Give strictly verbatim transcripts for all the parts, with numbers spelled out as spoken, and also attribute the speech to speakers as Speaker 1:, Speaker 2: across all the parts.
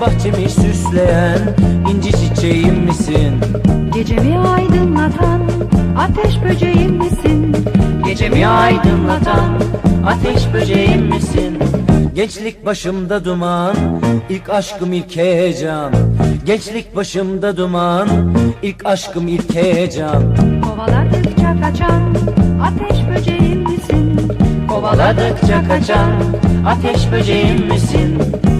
Speaker 1: bahçemi süsleyen inci çiçeğim misin?
Speaker 2: Gecemi aydınlatan ateş böceğim misin?
Speaker 1: Gecemi aydınlatan ateş böceğim misin? Gençlik başımda duman, ilk aşkım ilk heyecan. Gençlik başımda duman, ilk aşkım ilk heyecan.
Speaker 2: Kovaladıkça kaçan ateş böceğim misin?
Speaker 1: Kovaladıkça kaçan ateş böceğim misin?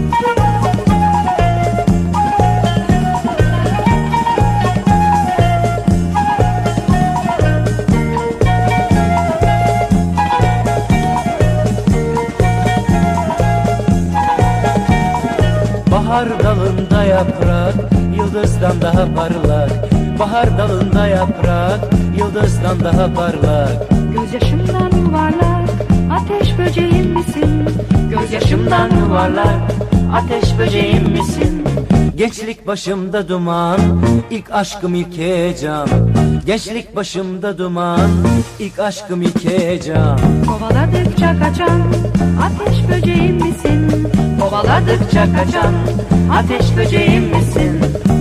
Speaker 1: Bahar dalında yaprak, yıldızdan daha parlak. Bahar dalında yaprak, yıldızdan daha parlak.
Speaker 2: Gözyaşımdan yuvarlak ateş böceğim misin?
Speaker 1: Gözyaşımdan yuvarlak ateş böceğim misin? Gençlik başımda duman, ilk aşkım ilk heyecan. Gençlik başımda duman, ilk aşkım ilk heyecan.
Speaker 2: Kovaladıkça kaçan ateş böceğim misin?
Speaker 1: Kovaladıkça kaçan ateş böceğim misin?